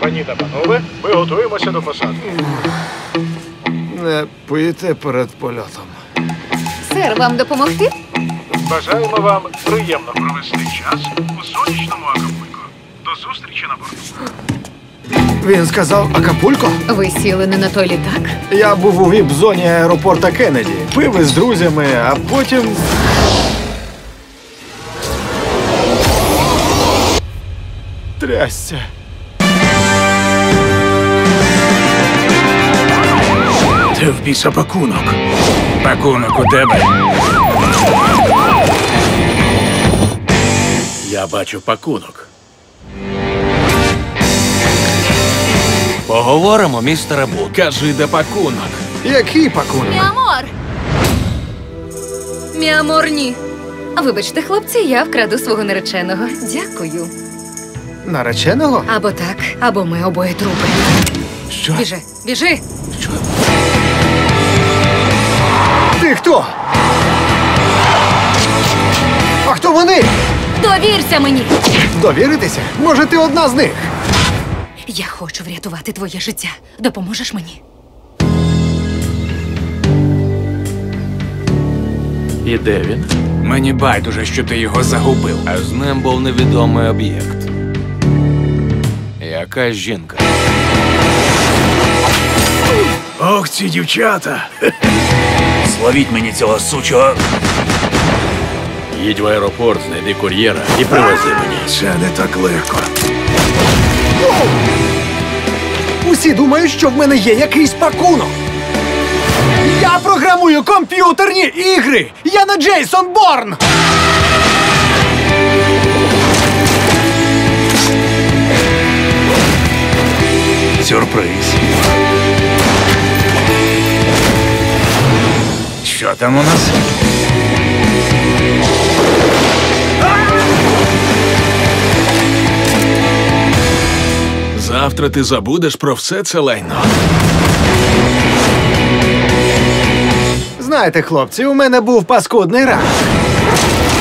Пані та панове, ми готуємося до посадки. Не пийте перед польотом. Сер, вам допомогти? Бажаємо вам приємно провести час у сонячному Акапулько. До зустрічі на борту. Він сказав Акапулько? Ви сіли не на той літак? Я був у віп-зоні аеропорта Кеннеді. Пив із друзями, а потім... Трясся. Це в біса пакунок. Пакунок у тебе. Я бачу пакунок. Поговоримо, містере Бут. Кажи, де пакунок. Який пакунок? Міамор! Міамор, ні. Вибачте, хлопці, я вкраду свого нареченого. Дякую. Нареченого? Або так, або ми обоє трупи. Що? Біжи, біжи! Що? Ти хто? А хто вони? Довірся мені! Довіритися? Може, ти одна з них? Я хочу врятувати твоє життя. Допоможеш мені? І де він? Мені байдуже, що ти його загубив. А з ним був невідомий об'єкт. Якась жінка. Ох, ці дівчата! Зловіть мені цього сучого. Їдь в аеропорт, знайди кур'єра і привези мені. Це не так легко. Усі думають, що в мене є якийсь пакунок. Я програмую комп'ютерні ігри! Я не Джейсон Борн! Сюрприз. Що там у нас? Завтра ти забудеш про все це лайно. Знаєте, хлопці, у мене був паскудний ранок.